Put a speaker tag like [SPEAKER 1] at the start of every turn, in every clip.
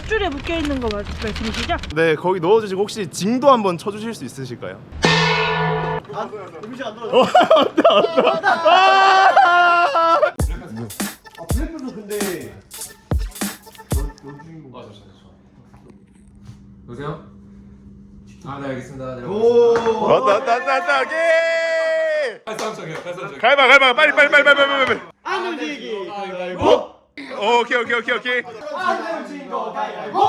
[SPEAKER 1] 밧줄에 묶여있는 거 말씀이시죠?
[SPEAKER 2] 네, 거기 넣어주시고 혹시 징도 한번 쳐주실 수 있으실까요?
[SPEAKER 3] 음식 안 넣어요. 블랙별도 근데
[SPEAKER 4] 여보세요? 아, 네, 알겠습니다. 네,
[SPEAKER 2] 왔다 오케이.
[SPEAKER 4] 칼싸움청이요, 칼싸움청.
[SPEAKER 2] 가위바 빨리.
[SPEAKER 3] 안 움직이기 가위바위보.
[SPEAKER 2] 오케이.
[SPEAKER 3] 안 움직이기 가위바위보.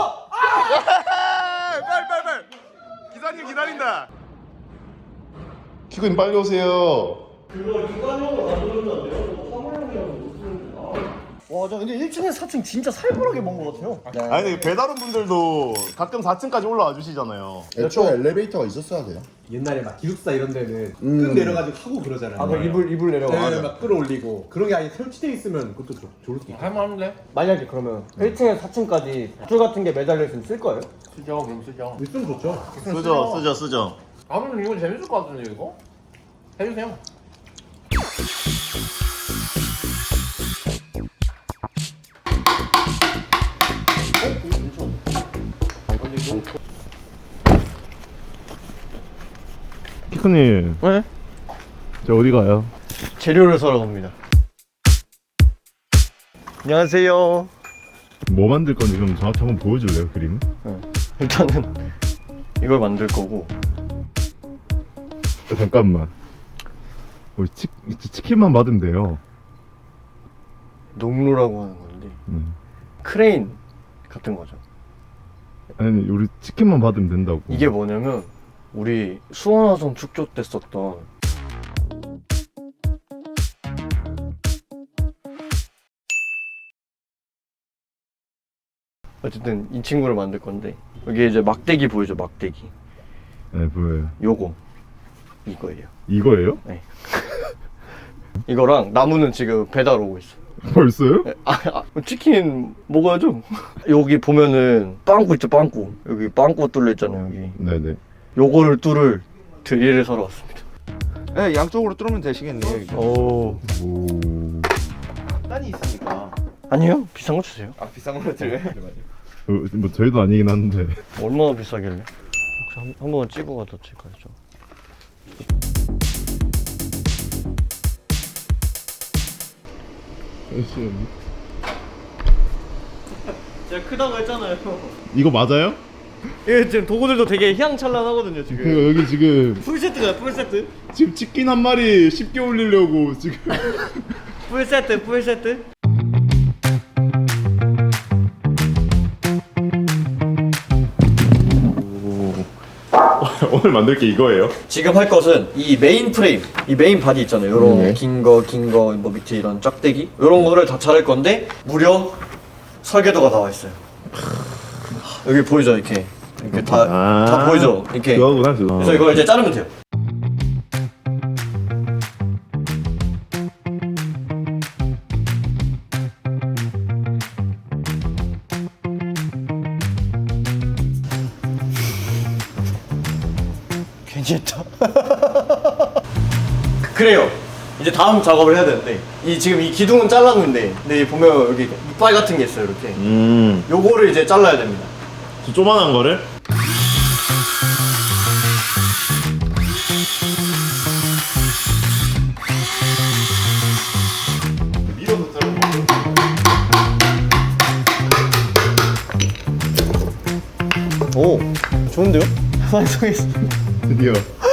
[SPEAKER 2] 빨리. 기사님 기다린다. 키구님 빨리 오세요.
[SPEAKER 3] 그거 인간용으로 만들었는데 사물용이랑 못 쓰는데. 와, 저 근데 1층에서 4층 진짜 살벌하게 먼 것 같아요.
[SPEAKER 2] 아니 근데 배달원 분들도 가끔 4층까지 올라와 주시잖아요.
[SPEAKER 5] 애초에 엘리베이터가 있었어야 돼요.
[SPEAKER 6] 옛날에 막 기숙사 이런 데는 끈 내려가지고 하고 그러잖아요.
[SPEAKER 3] 아, 그 이불 내려가.
[SPEAKER 6] 네, 막 끌어올리고 그런 게 아예 설치돼 있으면 그것도 좋을 수도 있고.
[SPEAKER 4] 할만한데?
[SPEAKER 3] 만약에 그러면 1층에서 4층까지 밧줄 같은 게 매달려 있으면 쓸 거예요?
[SPEAKER 4] 쓰죠, 그럼 쓰죠.
[SPEAKER 6] 있으면 좋죠.
[SPEAKER 2] 쓰죠.
[SPEAKER 4] 아무튼 이건 재밌을 것 같은데, 이거? 해주세요.
[SPEAKER 2] 키크님.
[SPEAKER 3] 네?
[SPEAKER 2] 저 어디 가요?
[SPEAKER 3] 재료를 사러 갑니다. 안녕하세요.
[SPEAKER 2] 뭐 만들 건지 그럼 저한테 한번 보여줄래요, 그림?
[SPEAKER 3] 일단은 이걸 만들 거고.
[SPEAKER 2] 잠깐만. 치킨만 받으면 돼요.
[SPEAKER 3] 농로라고 하는 건데
[SPEAKER 2] 음.
[SPEAKER 3] 크레인 같은 거죠.
[SPEAKER 2] 아니 우리 치킨만 받으면 된다고.
[SPEAKER 3] 이게 뭐냐면 우리 수원화성 축조 때 썼던 어쨌든 이 친구를 만들 건데 여기 이제 막대기 보이죠? 막대기.
[SPEAKER 2] 네 보여요.
[SPEAKER 3] 요거 이거예요.
[SPEAKER 2] 이거예요?
[SPEAKER 3] 네. 이거랑 나무는 지금 배달 오고 있어.
[SPEAKER 2] 벌써요?
[SPEAKER 3] 치킨 먹어야죠. 여기 보면은 빵꾸 있죠, 빵꾸. 여기 빵꾸 뚫려 있잖아요, 여기.
[SPEAKER 2] 네네.
[SPEAKER 3] 요거를 뚫을 드릴을 사러 왔습니다.
[SPEAKER 5] 네, 양쪽으로 뚫으면 되시겠네요. 이거.
[SPEAKER 3] 오.
[SPEAKER 2] 오.
[SPEAKER 5] 단이 있으니까.
[SPEAKER 3] 아니요, 비싼 거 주세요.
[SPEAKER 5] 아, 비싼 걸로 들어요?
[SPEAKER 2] 뭐 저희도 아니긴 한데.
[SPEAKER 3] 얼마나 비싸길래? 혹시 한 번만 찍어가도 될까요? 제가 크다고 했잖아요.
[SPEAKER 2] 이거 맞아요?
[SPEAKER 3] 예, 지금 도구들도 되게 희양찬란하거든요, 지금.
[SPEAKER 2] 그 여기 지금
[SPEAKER 3] 풀세트가요, 풀세트?
[SPEAKER 2] 지금 치킨 한 마리 쉽게 올리려고 지금.
[SPEAKER 3] 풀세트, 풀세트?
[SPEAKER 2] 오늘 만들 게 이거예요?
[SPEAKER 3] 지금 할 것은 이 메인 프레임, 이 메인 바디 있잖아요. 요런 긴 거, 뭐 밑에 이런 짝대기 요런 거를 다 자를 건데 무려 설계도가 나와 있어요. 여기 보이죠? 이렇게 다 보이죠? 이렇게.
[SPEAKER 2] 그거구나
[SPEAKER 3] 그래서 이걸 이제 자르면 돼요. 괜히 했다. 그래요. 이제 다음 작업을 해야 되는데 지금 이 기둥은 잘랐는데 근데 보면 여기 이빨 같은 게 있어요, 이렇게. 요거를 이제 잘라야 됩니다.
[SPEAKER 2] 저 조만한 거를?
[SPEAKER 3] 오, 좋은데요? 완성했어.
[SPEAKER 2] 드디어.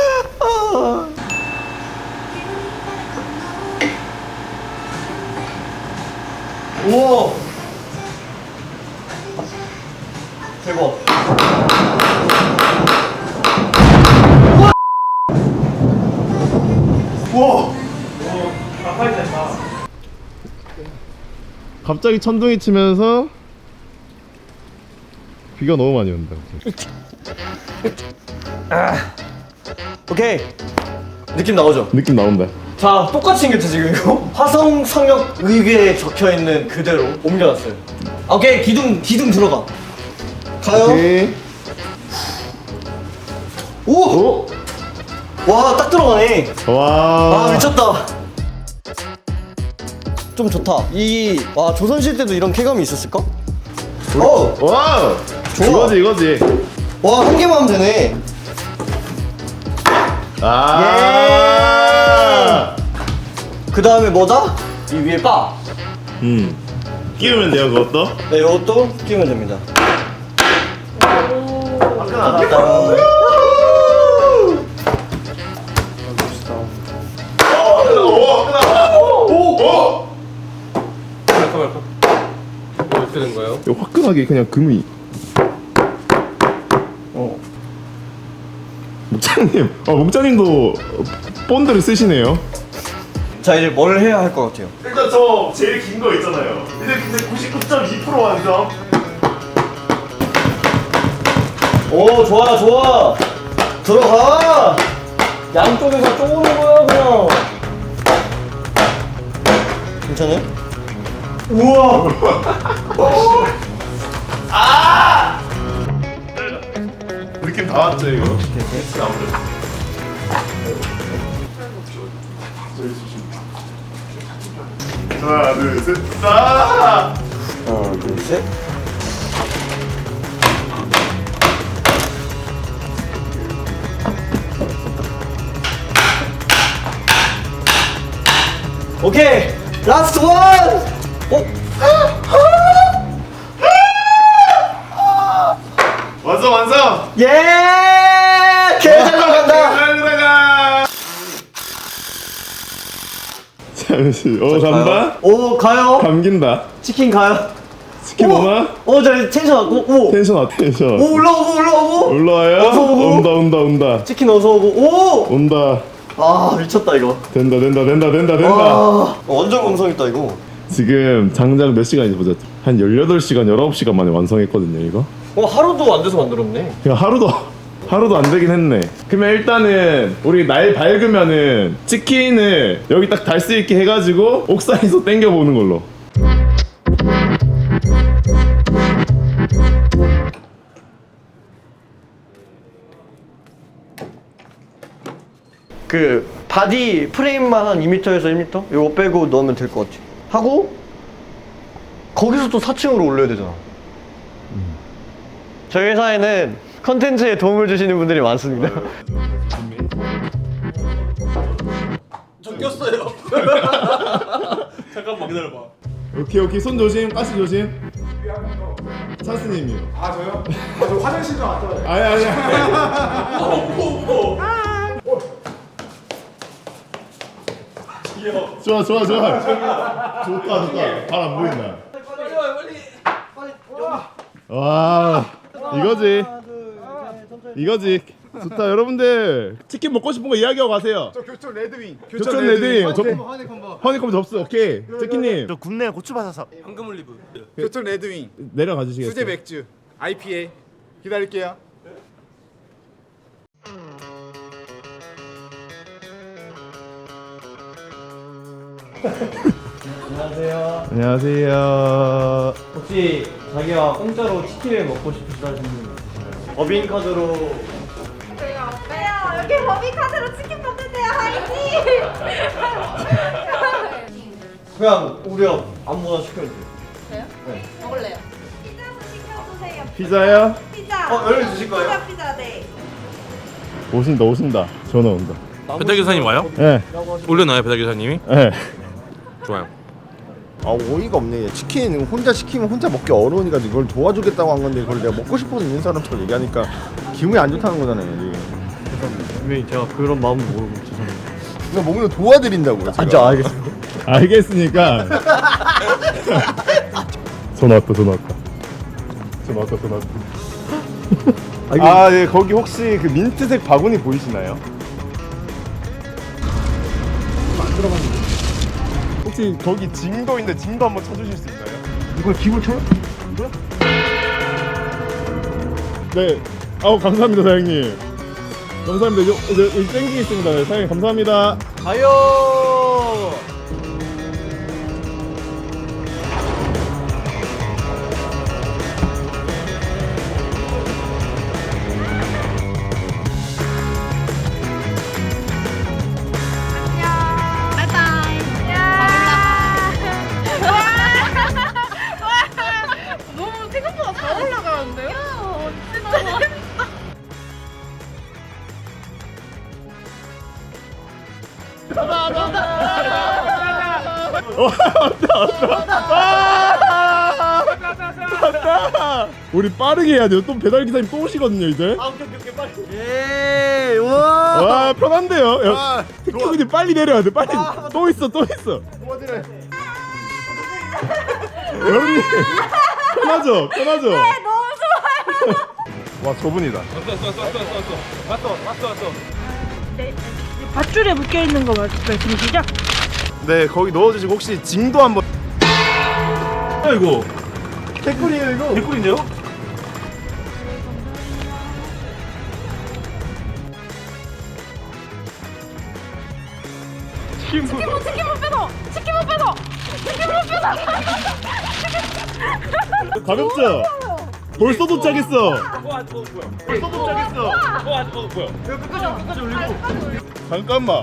[SPEAKER 3] 우와, 대박. 우와.
[SPEAKER 2] 갑자기 천둥이 치면서 비가 너무 많이 온다.
[SPEAKER 3] 오케이, 느낌 나오죠?
[SPEAKER 2] 느낌 나온다.
[SPEAKER 3] 자, 똑같이 생겼죠 지금 이거? 화성 상역 의궤에 적혀있는 그대로 옮겨놨어요. 오케이, 기둥 들어가. 가요.
[SPEAKER 2] 오케이.
[SPEAKER 3] 오! 와, 딱 들어가네.
[SPEAKER 2] 와.
[SPEAKER 3] 아, 미쳤다. 좀 좋다. 와, 조선시대 때도 이런 쾌감이 있었을까?
[SPEAKER 2] 와!
[SPEAKER 3] 좋아.
[SPEAKER 2] 이거지.
[SPEAKER 3] 와, 한 개만 하면 되네.
[SPEAKER 2] 아.
[SPEAKER 3] 그 다음에 뭐다? 이 위에 바.
[SPEAKER 2] 끼우면 돼요, 그것도?
[SPEAKER 3] 네, 이것도 끼우면 됩니다.
[SPEAKER 6] 뭘 쓰는 거예요?
[SPEAKER 2] 이거 화끈하게 그냥 금이. 목장님도 본드를 쓰시네요.
[SPEAKER 3] 자, 이제 뭘 해야 할 것 같아요?
[SPEAKER 2] 일단 저 제일 긴 거 있잖아요. 근데 99.2% 완성.
[SPEAKER 3] 오, 좋아, 좋아. 들어가. 양쪽에서 쪼는 거야, 그냥. 괜찮아요? 우와.
[SPEAKER 2] 느낌 다 왔죠, 이거? 아무래도. 하나, 둘, 셋, 아!
[SPEAKER 3] 하나, 둘, 셋. 오케이, 라스트 원.
[SPEAKER 2] 완성!
[SPEAKER 3] 예, 개잘 들어간다.
[SPEAKER 2] 잘 들어가! 잠시, 간다?
[SPEAKER 3] 오, 가요.
[SPEAKER 2] 감긴다.
[SPEAKER 3] 치킨 가요.
[SPEAKER 2] 치킨 오나?
[SPEAKER 3] 저 텐션 왔고, 오.
[SPEAKER 2] 텐션 와, 텐션.
[SPEAKER 3] 오, 올라오고.
[SPEAKER 2] 올라와요?
[SPEAKER 3] 어서 오고.
[SPEAKER 2] 온다.
[SPEAKER 3] 치킨 어서 오고, 오.
[SPEAKER 2] 온다.
[SPEAKER 3] 아, 미쳤다 이거.
[SPEAKER 2] 된다.
[SPEAKER 3] 아, 완전 감성 있다 이거.
[SPEAKER 2] 지금 장작 몇 시간인지 보자. 한 18시간, 19시간 만에 완성했거든요, 이거.
[SPEAKER 3] 하루도 안 돼서 만들었네.
[SPEAKER 2] 그냥 하루도 안 되긴 했네. 그러면 일단은 우리 날 밝으면은 치킨을 여기 딱 달 수 있게 해가지고 옥상에서 땡겨보는 걸로.
[SPEAKER 3] 그 바디 프레임만 한 2m에서 1m? 이거 빼고 넣으면 될 것 같아. 하고 거기서 또 4층으로 올려야 되잖아. 저희 회사에는 컨텐츠에 도움을 주시는 분들이 많습니다.
[SPEAKER 2] 오케이 손 조심, 가스 조심. 찬스님이요.
[SPEAKER 6] 아 저요? 저 화장실 좀 왔다 와요.
[SPEAKER 2] 아니. 좋아. 좋다. 발 안 보인다. 와, 이거지. 좋다. 여러분들 치킨 먹고 싶은 거 이야기하고 가세요.
[SPEAKER 6] 저 교촌 레드윙.
[SPEAKER 2] 교촌 레드윙.
[SPEAKER 6] 허니콤보.
[SPEAKER 2] 허니콤 접수. 오케이. 치킨님
[SPEAKER 7] 저 굽네 고추바사삭.
[SPEAKER 6] 황금 올리브. 교촌 레드윙.
[SPEAKER 2] 내려가 주시겠어요?
[SPEAKER 6] 수제 맥주. IPA. 기다릴게요.
[SPEAKER 3] 안녕하세요.
[SPEAKER 2] 안녕하세요.
[SPEAKER 3] 혹시 자기가 공짜로 치킨을 먹고 싶으시다는 분 있으신가요? 법인카드로.
[SPEAKER 8] 저희가 없어요. 여기 법인카드로 치킨 먹는데요. 화이팅!
[SPEAKER 3] 그냥 우리가 아무거나 시켜도 돼요.
[SPEAKER 8] 저요?
[SPEAKER 3] 네.
[SPEAKER 8] 먹을래요. 피자도 시켜주세요.
[SPEAKER 2] 피자요?
[SPEAKER 8] 피자.
[SPEAKER 3] 열려 주실 거예요?
[SPEAKER 8] 피자 네.
[SPEAKER 2] 오신다. 전화 온다.
[SPEAKER 9] 배달 기사님 와요?
[SPEAKER 2] 네.
[SPEAKER 9] 올려놔요 배달 기사님이?
[SPEAKER 2] 네.
[SPEAKER 9] 좋아요.
[SPEAKER 7] 아 어이가 없네. 치킨 혼자 시키면 혼자 먹기 어려우니까 이걸 도와주겠다고 한 건데 그걸 내가 먹고 싶은 사람처럼 얘기하니까 기분이 안 좋다는 거잖아요. 이게.
[SPEAKER 3] 분명히 제가 그런 마음을 모르고 죄송합니다.
[SPEAKER 7] 이거 먹는 거 도와드린다고요. 제가.
[SPEAKER 3] 알겠습니다.
[SPEAKER 2] 알겠으니까. 전화 왔다. 아, 네. 거기 혹시 그 민트색 바구니 보이시나요? 혹시 거기 징도 있는데 징도 한번 쳐주실 수 있나요?
[SPEAKER 3] 이걸 기분 쳐요?
[SPEAKER 2] 네. 감사합니다, 사장님. 감사합니다. 여기 땡기 있습니다. 네, 사장님 감사합니다.
[SPEAKER 3] 가요.
[SPEAKER 8] 너무 생각보다
[SPEAKER 2] 왔다. 우리 빠르게 해야 돼요. 또 배달 기사님 또 오시거든요 이제.
[SPEAKER 3] 오케이 빨리. 예. 우와.
[SPEAKER 2] 와 편한데요. 택배님 빨리 내려야 돼. 빨리. 또 있어. 여러분님 편하죠.
[SPEAKER 8] 네, 너무 좋아요.
[SPEAKER 2] 와 저분이다.
[SPEAKER 1] 네, 밧줄에 묶여 있는 거 말씀이시죠?
[SPEAKER 2] 네 거기 넣어주시고 혹시 징도 한번. 이거
[SPEAKER 7] 댓글이에요 이거.
[SPEAKER 2] 개꿀인데요?
[SPEAKER 8] 치킨 못 빼서.
[SPEAKER 2] 가볍죠? 벌써 도착했어. 잠깐만.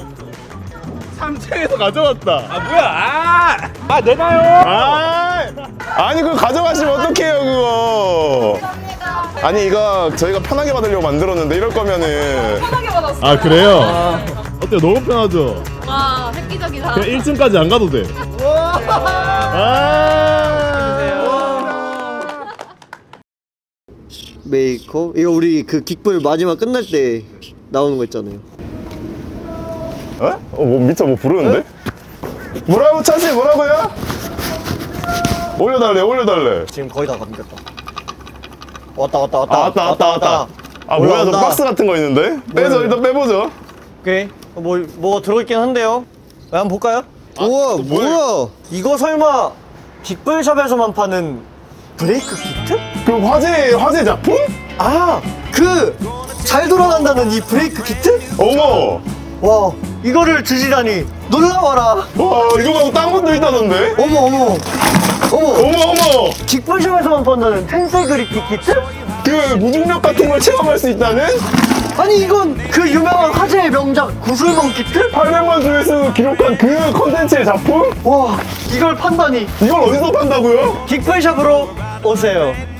[SPEAKER 2] 3층에서 가져왔다. 아니 그거 가져가시면 어떡해요 그거. 아니 이거 저희가 편하게 받으려고 만들었는데 이럴 거면은.
[SPEAKER 8] 편하게 받았어.
[SPEAKER 2] 아 그래요? 어때요? 너무 편하죠?
[SPEAKER 8] 와, 획기적이다.
[SPEAKER 2] 그냥 1층까지 안 가도 돼.
[SPEAKER 3] 메이커? 이거 우리 그 긱불 마지막 끝날 때 나오는 거 있잖아요.
[SPEAKER 2] 어? 뭐 미쳐 뭐 부르는데? 뭐라고 차지 뭐라고요? 올려달래.
[SPEAKER 3] 지금 거의 다 감겼다. 왔다.
[SPEAKER 2] 왔다. 아 뭐야 저
[SPEAKER 3] 올라온다.
[SPEAKER 2] 박스 같은 거 있는데? 빼죠 일단 빼보죠.
[SPEAKER 3] 오케이. 뭐 들어있긴 한데요. 한번 볼까요? 우와 뭐야? 이거 설마 빅불샵에서만 파는 브레이크 키트?
[SPEAKER 2] 그 화재 작품?
[SPEAKER 3] 아, 그 잘 돌아간다는 이 브레이크 키트?
[SPEAKER 2] 어머.
[SPEAKER 3] 와, 이거를 주시다니 놀라워라.
[SPEAKER 2] 와 이거 말고 딴 것도 있다던데?
[SPEAKER 3] 어머.
[SPEAKER 2] 어머.
[SPEAKER 3] 빅불샵에서만 판다는 텐세 그리피 키트?
[SPEAKER 2] 그 무중력 같은 걸 체험할 수 있다는?
[SPEAKER 3] 아니 이건 그 유명한 화제의 명작 구슬멍 키트?
[SPEAKER 2] 800만 조회수 기록한 그 컨텐츠의 작품?
[SPEAKER 3] 와, 이걸 판다니.
[SPEAKER 2] 이걸 어디서 판다고요?
[SPEAKER 3] 빅불샵으로 오세요.